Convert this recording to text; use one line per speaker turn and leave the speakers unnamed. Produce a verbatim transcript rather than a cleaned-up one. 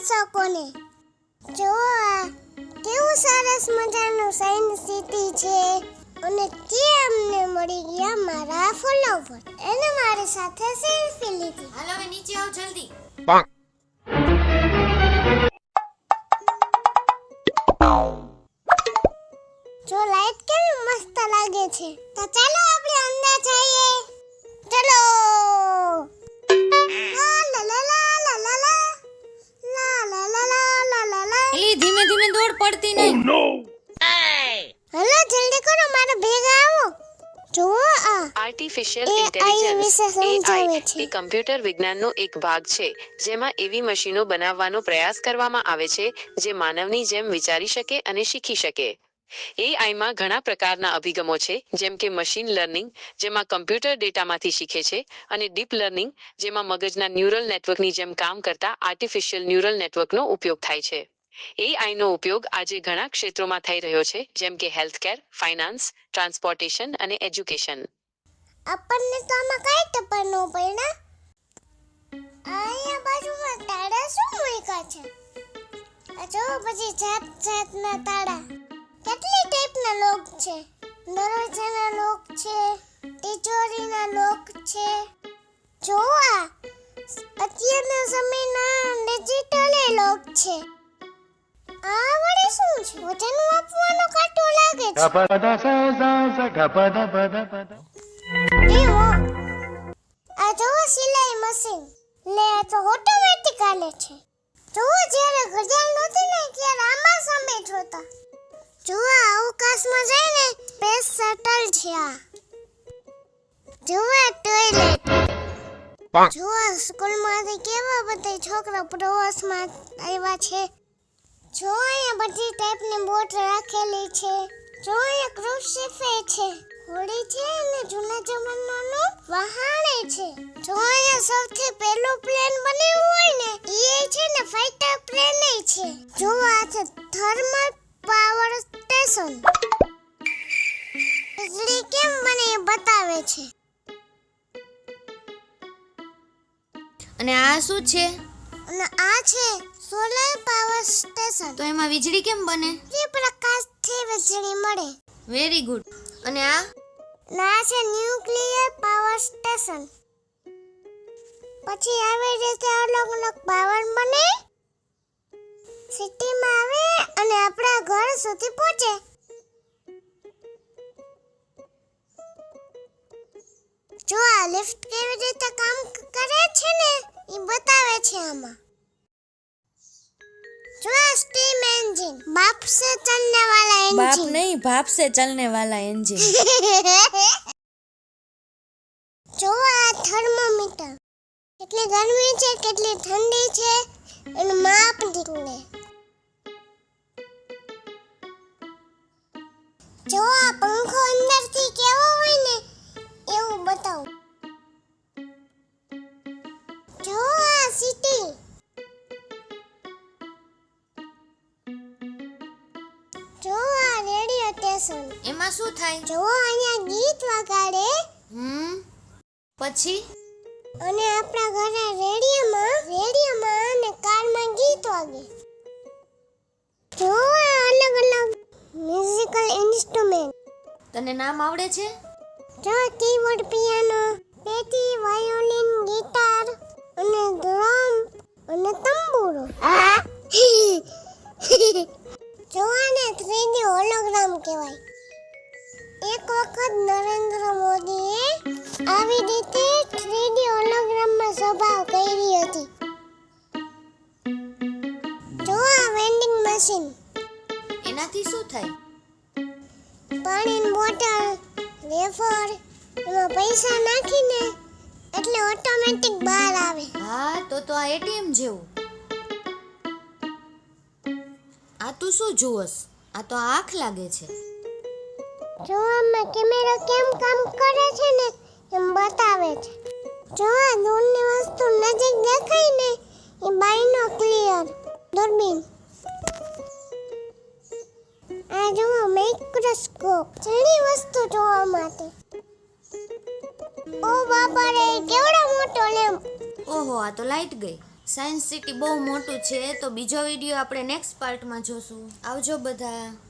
દર્શકોને જો આ કેવું સરસ મજાનું સાયન્સ સિટી છે અને તે અમને મળી ગયા મારા ફોલોવર એને મારી સાથે સેલ્ફી લીધી.
હાલો હવે નીચે આવ જલ્દી.
જો લાઈટ કેવી મસ્ત લાગે છે. તો ચાલો આપણે અંદર જઈએ. ચલો. લા લા લા લા લા લા લા લા લા લા લા લા.
એલી ધીમે ધીમે દોડ પડતી નહીં.
હલો જલ્દી કરો મારા ભેગા આવો. જો આ
આર્ટિફિશિયલ
એ
ઇન્ટેલિજન્સ
વિશે સમજાવે છે.
એ કમ્પ્યુટર વિજ્ઞાનનો એક ભાગ છે જેમાં એવી મશીનો બનાવવાનો પ્રયાસ કરવામાં આવે છે જે માનવની જેમ વિચારી શકે અને શીખી શકે. એઆઈમાં ઘણા પ્રકારના અભિગમો છે જેમ કે મશીન લર્નિંગ જેમાં કમ્પ્યુટર ડેટામાંથી શીખે છે અને ડીપ લર્નિંગ જેમાં મગજના ન્યુરલ નેટવર્કની જેમ કામ કરતા આર્ટિફિશિયલ ન્યુરલ નેટવર્કનો ઉપયોગ થાય છે. એઆઈનો ઉપયોગ આજે ઘણા ક્ષેત્રોમાં થઈ રહ્યો છે જેમ કે હેલ્થકેર, ફાઇનાન્સ, ટ્રાન્સપોર્ટેશન અને એજ્યુકેશન.
આપણને તો આમાં કઈ ટપર ન પડ્યા. અહીંયા બાજુમાં તાળા શું મૂક્યા છે? આ જો પછી જાત જાતના તાળા. કેટલી ટાઈપના લોક છે. દરવાજાના લોક છે, તિજોરીના લોક છે. જો આ અત્યારના સમયના ડિજિટલ લોક છે. આ વળી શું છે? વજન માપવાનો કાંટો લાગે છે. એવો આ જો સિલાઈ મશીન લે આ તો ઓટોમેટિક હાલે છે. જો જ્યારે ઘડિયાળ નહોતી ને ત્યારે આમાં સમય જોતા. જો આ અવકાશમાં જાય ને સ્પેસ શટલ છે. આ જો આ ટોયલેટ. જો આ સ્કૂલમાંથી કેવા બધા છોકરા પ્રવાસમાં આવ્યા છે. જો અહીંયા બધી ટાઈપની બોટ રાખેલી છે. જો અહીંયા ક્રૂઝ શિપ છે, હોડી છે અને જૂના જમાનાનું વહાણે છે. જો અહીંયા સૌથી પહેલું પ્લેન બન્યું હોય ને એ છે ને ફાઇટર પ્લેન છે. જો આ છે થર્મલ પાવર સ્ટેશન. વીજળી કેમ બને એ બતાવે છે.
અને આ શું છે?
અને આ છે સોલર પાવર સ્ટેશન.
તો એમાં વીજળી કેમ બને?
જે પ્રકાશથી વીજળી મળે.
Very good. અને આ
ના છે ન્યુક્લિયર પાવર સ્ટેશન. પછી આવી રીતે અલગ અલગ પાવર બને, સિટીમાં આવે અને આપણા ઘર સુધી પહોંચે. જો આ લિફ્ટ કેવી રીતે કામ કરે છે ને એ બતાવે છે આમાં. जो स्टीम इंजन बाप से चलने वाला इंजन.
बाप नहीं, भाप से चलने वाला इंजन.
जो आ थर्मोमीटर કેટલી ગરમી છે કેટલી ઠંડી છે એનું માપ નીકળે. જો આ પંખો અંદરથી કેવો હોય ને એવું બતાવું. જો આ સિટી. જો આ રેડિયો સ્ટેશન.
એમાં શું થાય?
જો અહીંયા ગીત વગાડે.
હમ પછી
અને આપણા ઘરે રેડિયોમાં રેડિયોમાં અને કારમાં ગીત વાગે. જો આ અલગ અલગ મ્યુઝિકલ ઇન્સ્ટ્રુમેન્ટ.
તને નામ આવડે છે?
જો કીબોર્ડ, પિયાનો, પેટી, વાયોલિન, ગિટાર અને ડ્રમ અને તંબુરો. જો આને થ્રી ડી હોલોગ્રામ કહેવાય. એક વખત નરેન્દ્ર મોદીએ આવી રીતે થ્રી ડી હોલોગ્રામમાં સભા કરી હતી. જો આ વેન્ડિંગ મશીન.
એનાથી શું થાય?
પાણીની બોટલ, વેફર એમાં પૈસા નાખીને એટલે ઓટોમેટિક બહાર આવે.
હા તો તો આ એટીએમ જેવું. આ તું શું જોવસ? આ તો આંખ લાગે છે.
જો આમાં કેમેરા કેમ કામ કરે છે ને એમ બતાવે છે. જો આ દૂરની વસ્તુ નજીક દેખાય ને એ બાયનોક્લિયર દૂરબીન. આ જો માઇક્રોસ્કોપ ઘણી વસ્તુ જોવા માટે. ઓ બાપા રે કેવડો મોટો લેમ્પ.
ઓહો આ તો લાઈટ ગઈ. સાયન્સ સિટી બહુ મોટું છે, તો બીજો વિડીયો આપણે નેક્સ્ટ પાર્ટમાં જોશું. આવજો બધા.